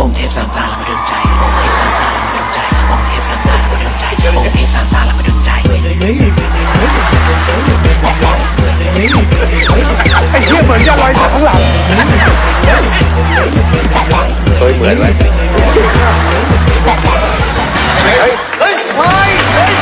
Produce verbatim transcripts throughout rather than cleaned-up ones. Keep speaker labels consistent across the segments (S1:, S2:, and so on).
S1: องค์เทพสามตาละมาดึงใจองค์เทพสามตาละมาดึงใจองค์เทพสามตาละมาดึงใจองค์เทพสามตาละมาดึงใจ
S2: ไอ้เหี้ยเหมือนจะลอยจากข้างหลัง
S3: เฮ้ยเหมือนเลยเฮ้ยเฮ้ยเฮ้ย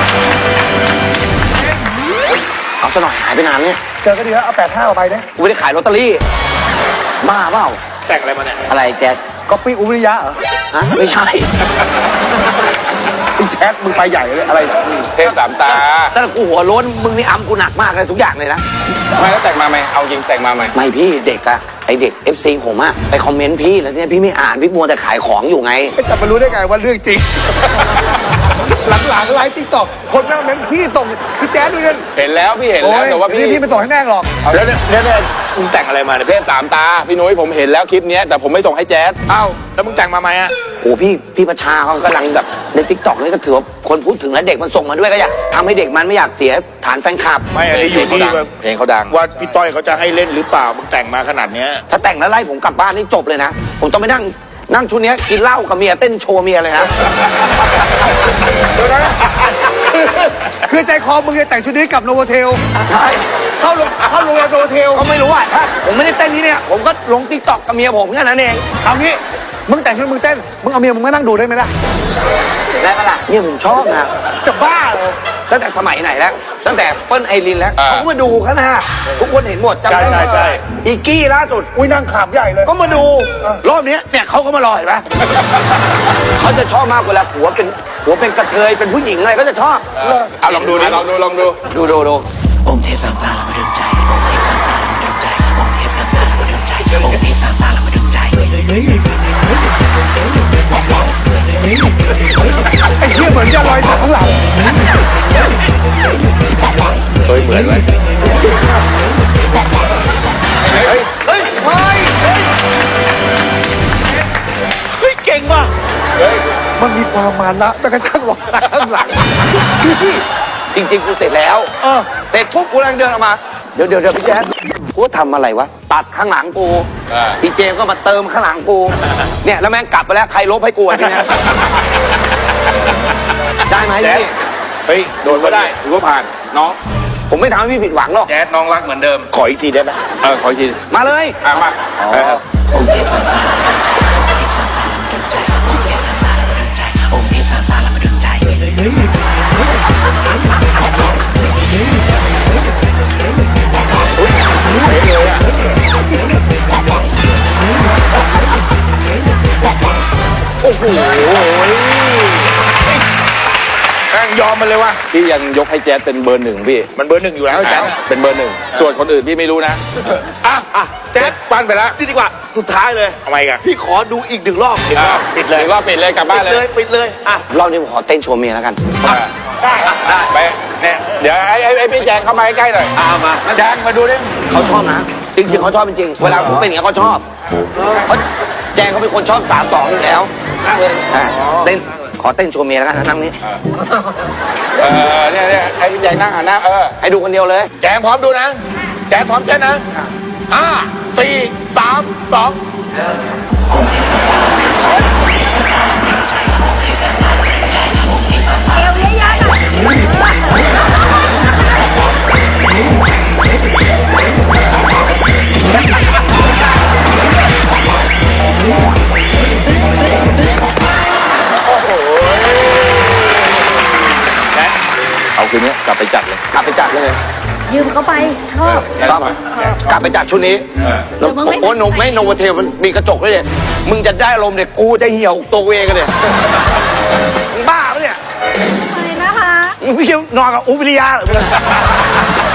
S4: เอาซะหน่อยหายไปนานเนี่ย
S2: เจอกันดีแล้วเอาแปดห้าออกไปเนี่ย
S4: กูไม่ได้ขายลอตเตอรี่บ้าเปล่า
S3: แต่งอะไรมาเนี่ย
S4: อะไรแจ็ค
S2: ก๊อปปี้อุบริยะเหรอ
S4: ฮะไม่ใช่
S2: ไอ้แชทมึงไปใหญ่เลยอะไร
S3: เทพสามตา
S4: แต่กูหัวโล้นมึงนี่อ้ำกูหนักมากเลยทุกอย่างเลยนะ
S3: ไม่แล้วแต่งมาไหมเอาจริงแต่งมาไหม
S4: ไม่พี่เด็กอะไอเด็ก เอฟ ซี ผมอะไปคอมเมนต์พี่แล้วเนี่ยพี่ไม่อ่านพี่มัวแต่ขายของอยู่ไง
S2: จะมารู้ได้ไงว่าเรื่องจริงหลังๆไลฟ์ติ๊กต็อกคนนั่งเม้นพี่ส่งพี่แจ๊ดด้วยเนี่ย
S3: เห็นแล้วพี่เห็นแล้วแต่ว่าพี่
S2: พี่ไม่ส่งให้แม่หรอก
S3: แล้วเนี่ยเนี่ยมึงแต่งอะไรมาเนี่ยเทพสามตาพี่นุ้ยผมเห็นแล้วคลิปนี้แต่ผมไม่ส่งให้แจ๊ดเอ้าแล้วมึงแต่งมาไหมอะ
S4: โอ้พี่พี่ประชาเขากำลังแบบในติ๊กต็อกนี่ก็ถือว่าคนพูดถึงแล้วเด็กมันส่งมาด้วยก็อยากทำให้เด็กมันไม่อยากเสียฐานแฟนคลับ
S3: ไม่อันนี้อยู่ที่เพลงเขาดังว่าพี่ต้อยเขาจะให้เล่นหรือเปล่ามึงแต่งมาขนาดเนี้ย
S4: ถ้าแต่งแล้วไล่ผมกลับบ้านนี่จบเลยนะผมต้องไปนั่งนั่งชุดนี้กินเหล้ากับเมียเต้นโชว์เมียเลยนะ
S2: คือใจคอมึงจะแต่งชุดนี้กับโนโวเทล
S4: ใช่
S2: เข้าลงเข้าโรงแรมโนโวเทล
S4: ก็ไม่รู้อ่ะถ้าผมไม่ได้เต้นที่เนี่ยผมก็ลงติ๊กต็อกกับเมียผมแค่นั้นเอง
S2: เอางี้มึงแต่งชุดมึงเต้นมึงเอาเมียมึงมานั่งดูได้ไหมล่ะ
S4: ได้ปะล่ะเนี่ยผมชอบนะ
S2: จะบ้าเหรอ
S4: ตั้งแต่สมัยไหนแล้วตั้งแต่เปิ้ลไอรินแล้วเขาก็มาดูกันนะทุกคนเห็นหมด
S3: จำได้ใช่ใช่
S4: อีกี้ล่าสุด
S2: อุ้ยนั่งขามใหญ่เลย
S4: ก็มาดูรอบนี้เนี่ยเขาก็มารอเห็นปะเขาจะชอบมากเวลาผัวเป็นผัวเป็นกระเทยเป็นผู้หญิงอะไรก็จะชอบ
S3: เอาลองดูดิลองดูลองดู
S4: ดูดูดู
S1: องค์เทพสามตาละมาดึงใจองค์เทพสามตาละมาดึงใจองค์เทพสามตาละมาดึงใจองค์เทพสามตาละมาดึงใจ
S2: ไอ้เหี้ยเหมือนจะลอยจากข้างหลัง
S3: เฮ้ยเหมือนเลยเฮ้ยเฮ้ยเฮ้ย
S2: เฮ้ยเก่งว่ะเฮ้ยมันมีความมานะแม้กระทั่งลอยจากข้างหลัง
S4: จริงๆกูเสร็จแล้วเออเสร็จปุ๊บกูกำลังเดินออกมาเดี๋ยวเดี๋ยวเดี๋ยวพี่แจ๊คกูทำอะไรวะตัดข้างหลังกูอีเจมก็มาเติมข้างหลังกูเนี่ยแล้วแม่งกลับไปแล้วใครลบให้กูทีเนี้ยได้ไหมพี่
S3: เฮ้ยโดนก็ได้ถือว่าผ่านน้อง
S4: ผมไม่ทำให้พี่ผิดหวังหรอก
S3: แจ๊ดน้องรักเหมือนเดิมขออีกทีได้ไหมเออขออีกที
S4: มาเลย
S3: อ่ะมา
S1: องค์เทพสามตาละมาดึงใจองค์เทพสามตาละมาดึงใจองค์เทพสามตาละมาดึงใจองค์เทพสามตาละมาดึงใจ
S3: โอ้โหแม่งยอมมันเลยว่ะพี่ยังยกให้แจ๊ดเป็นเบอร์หนึ่งพี่มันเบอร์หนึ่งอยู่แล้วแจ๊ดเป็นเบอร์หนึ่งส่วนคนอื่นพี่ไม่รู้นะอ่ะอ่ะแจ๊ดปั้นไปแล้ว
S2: นี่ดีกว่าสุดท้ายเลย
S3: ทำไมกัน
S2: พี่ขอดูอีกหนึ่งรอบ
S3: ปิดเลยรอบปิดเลยกลับบ้านเลย
S2: ปิดเลย
S4: อ่ะรอบนี้ผมขอเต้นโชว์เมียแล้วกัน
S3: ได้ได้ไปเนี่ยเดี๋ยวไอ้ไอ้พี่แจงเข้ามาใกล้ๆหน่อย
S2: อ่ามา
S3: แจงมาดูดิ
S4: เขาชอบนะจริงๆเขาชอบจริงๆเวลาผมเป็นอย่างนี้เขาชอบเขาแจงเขาเป็นคนชอบสามสองอยู่แล้วเต้นขอเต้นโชว์เมียแล้วกันนั่งนี้
S3: เออเนี่ยเนี่ยไอ้พี่แจงนั่งหันหน้าเออ
S4: ให้ดูคนเดียวเลย
S3: แจงพร้อมดูนะแจงพร้อมเต้นนะห้าสี่สามสอง
S5: เอวเยอะๆหน่อย
S3: เอาคืนนี้กลับไปจัดเลย
S4: กลับไปจัดเลย
S5: ยืมเขาไปชอบ
S4: ชอบกลับไปจัดชุดนี้แล้วโอ้หนุ่มไม่โนวเทลมันมีกระจกด้วยเนี่ยมึงจะได้ลมเนี่ยกูจะเหี่ยวตัวเองกันเนี่ยบ้าปะเนี่ย
S5: ไปนะคะ
S4: มึงพี่นอนกับอุบวิริยะเหรอ